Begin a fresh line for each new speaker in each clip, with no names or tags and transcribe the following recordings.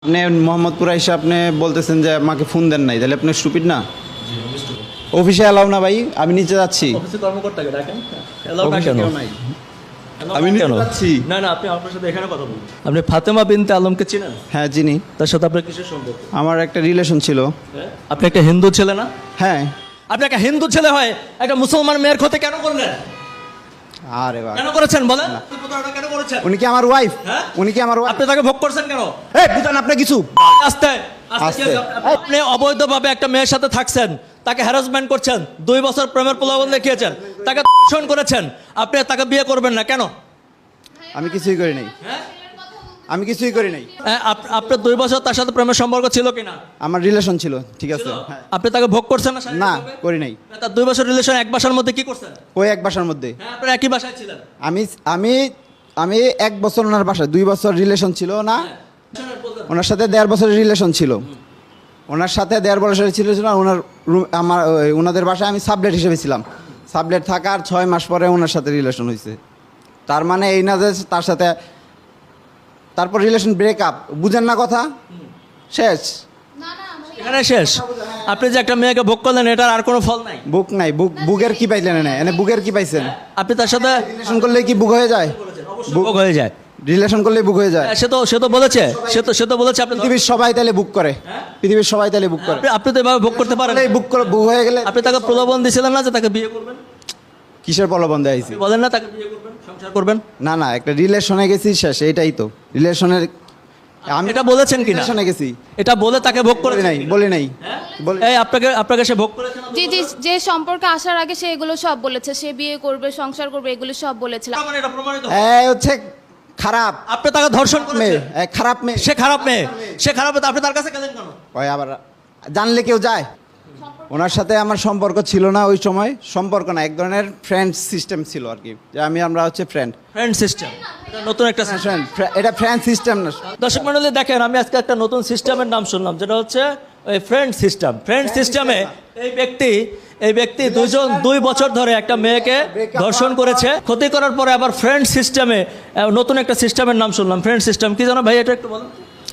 আপনি মোহাম্মদপুরে এসে আপনি বলতেছেন যে আমাকে ফোন দেন নাই, তাহলে আপনি স্টুপিড না? অফিসে এলাও না ভাই, আমি নিচে যাচ্ছি।
অফিসে কর্মকর্তাকে ডাকেন।
অফিসে কেউ নাই। আমি নিচে যাচ্ছি।
না না, আপনি আপনার সাথে এখানে কথা বলুন। আপনি ফাতেমা বিনতে আলমকে চিনেন?
হ্যাঁ চিনি।
তার সাথে আপনার কিসের সম্পর্ক?
আমার একটা রিলেশন ছিল।
আপনি একটা হিন্দু ছেলে না?
হ্যাঁ।
আপনি একটা হিন্দু ছেলে হয় একটা মুসলমান মেয়ের ক্ষতি কেন করলেন?
আরে বাবা,
কেন করেছেন বলেন? প্রতারণা কেন করেছেন?
উনি কি আমার ওয়াইফ?
হ্যাঁ?
উনি কি আমার ওয়াইফ?
আপনি তাকে ভোগ করছেন কেন?
এই বুঝান আপনি কিছু।
আস্তে আস্তে
আস্তে।
আপনি অবৈধভাবে একটা মেয়ের সাথে থাকছেন, তাকে হ্যারাসমেন্ট করছেন, 2 বছর প্রেমের প্রলোভন দেখিয়েছেন, তাকে ধর্ষণ করেছেন, আপনি তাকে বিয়ে করবেন না কেন?
আমি কিছুই করি নাই। আমি কিছুই করি নাই।
আপনার 2 বছর তার সাথে প্রেমের সম্পর্ক ছিল কিনা?
আমার রিলেশন ছিল, ঠিক আছে। হ্যাঁ।
আপনি তাকে ভোগ করছেন না?
না
শারীরিকভাবে?
করি নাই।
তার 2 বছর রিলেশন এক বাসার মধ্যে কি করছেন?
ওই এক বাসার মধ্যে
হ্যাঁ, আপনারা একই বাসায় ছিলেন।
আমি আমি আমি 1 বছর ওনার বাসায়, 2 বছর রিলেশন ছিল না। ওনার সাথে 1.5 বছরের রিলেশন ছিল। ওনার সাথে 1.5 বছরের ছিল না। ওনার ওনাদের বাসায় আমি সাবলেট হিসেবে ছিলাম। সাবলেট থাকার 6 মাস পরে ওনার সাথে রিলেশন হয়েছে। তার মানে এই না যে তার সাথে তারপর রিলেশন ব্রেকআপ। বুঝেন না কথা? শেষ।
এখানে শেষ। আপনি যে একটা মেয়েকে ভোগ করলেন, এটার আর কোনো ফল নাই।
বুক নাই। বুকের কি পাইলেন? এনে বুকের কি পাইছেন?
আপনি তার সাথে
রিলেশন করলে কি বুক হয়ে যায়?
ভোগ হয়ে যায়।
রিলেশন করলে বুক হয়ে যায়।
সে তো বলেছে, সে তো বলেছে আপনি
পৃথিবীর সবাই তাহলে বুক করে। পৃথিবীর সবাই তাহলে বুক করে।
আপনি তো এভাবে ভোগ করতে পারেন।
বুক হয়ে গেলে
আপনি তাকে প্রলোভন দিয়েছিলেন না যে তাকে বিয়ে করবেন?
কিসের প্রলোভন দেয়াইছি?
বলেন না তাকে বিয়ে করবেন, সংসার করবেন।
না না, একটা রিলেশনে গেছি, শেষ। এটাই তো রিলেশনের। আমি
এটা বলেছেন কিনা?
রিলেশনে গেছি।
এটা বলে তাকে ভোগ করে
বলি নাই, বলি নাই।
এই আপনাকে সে ভোগ করেছে না?
জি জি, যে সম্পর্কে আসার আগে সে এগুলো সব বলেছে, সে বিয়ে করবে, সংসার করবে, এগুলো সব বলেছিল।
মানে এটা প্রমাণিত।
এই হচ্ছে খারাপ
আপনি তাকে ধর্ষণ
মেয়ে,
করেছেন।
খারাপ মেয়ে।
সে খারাপ মেয়ে, সে খারাপ মেয়ে, তো আপনি তার কাছে গেলেন কেন?
ওই আবার জানলে কেউ যায়? ওনার সাথে আমার সম্পর্ক ছিল না ওই সময়। সম্পর্ক না, এক ধরনের ফ্রেন্ড সিস্টেম ছিল আর কি, যে আমরা হচ্ছে ফ্রেন্ড।
ফ্রেন্ড সিস্টেম, এটা নতুন একটা system।
এটা ফ্রেন্ড সিস্টেম না।
দর্শক মণ্ডলী দেখেন, আমি আজকে একটা নতুন সিস্টেমের নাম শুনলাম, যেটা হচ্ছে ওই ফ্রেন্ড সিস্টেম। ফ্রেন্ড সিস্টেমে এই ব্যক্তি 2 বছর ধরে একটা মেয়েকে ধর্ষণ করেছে, ক্ষতি করার পরে আবার ফ্রেন্ড সিস্টেমে নতুন একটা সিস্টেমের নাম শুনলাম। ফ্রেন্ড সিস্টেম কি জানো ভাই, এটা একটু বলুন।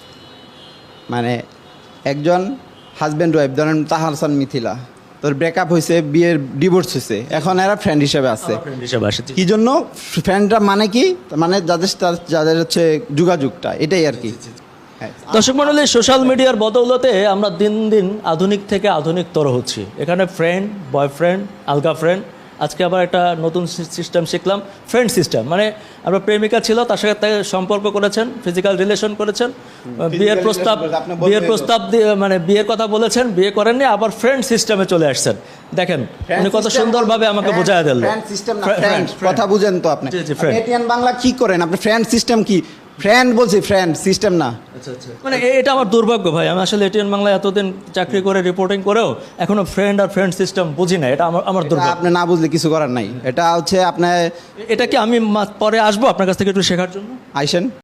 মানে একজন হাজব্যান্ড ওয়াইফ, ধরেন তাহার হাসান মিথিলা, তোর ব্রেকআপ হয়েছে, বিয়ের ডিভোর্স হয়েছে, এখন এরা ফ্রেন্ড হিসেবে আছে।
ফ্রেন্ড হিসেবে আসে।
কি জন্য ফ্রেন্ডরা মানে কি? মানে যাদের হচ্ছে যোগাযোগটা, এটাই আর কি। হ্যাঁ।
দর্শক মণ্ডলী, সোশ্যাল মিডিয়ার বদৌলতে আমরা দিন দিন আধুনিক থেকে আধুনিকতর হচ্ছি। এখানে ফ্রেন্ড, বয়ফ্রেন্ড, আলগা ফ্রেন্ড, আজকে আবার একটা নতুন সিস্টেম শিখলাম, ফ্রেন্ড সিস্টেম। মানে আপনার প্রেমিকা ছিল, তার সাথে তাকে সম্পর্ক করেছেন, ফিজিক্যাল রিলেশন করেছেন, বিয়ের প্রস্তাব দিয়ে মানে বিয়ের কথা বলেছেন, বিয়ে করেননি, আবার ফ্রেন্ড সিস্টেমে চলে আসছেন। দেখেন উনি কত সুন্দরভাবে আমাকে বোঝায় দিলেন।
ফ্রেন্ড সিস্টেম না, ফ্রেন্ড কথা বুঝেন তো আপনি?
জি, জি, friend।
এটিএন বাংলা কি করেন আপনি? ফ্রেন্ড সিস্টেম কি? ফ্রেন্ড বলছি, ফ্রেন্ড সিস্টেম না।
মানে এটা আমার দুর্ভাগ্য ভাই, আমি আসলে এটিএন বাংলায় এতদিন চাকরি করে রিপোর্টিং করেও এখনো ফ্রেন্ড আর ফ্রেন্ড সিস্টেম বুঝি না। এটা আমার দুর্ভাগ্য।
আপনি না বুঝলে কিছু করার নাই। এটা হচ্ছে আপনার।
এটা কি আমি পরে আসবো আপনার কাছ থেকে একটু শেখার জন্য?
আইসেন।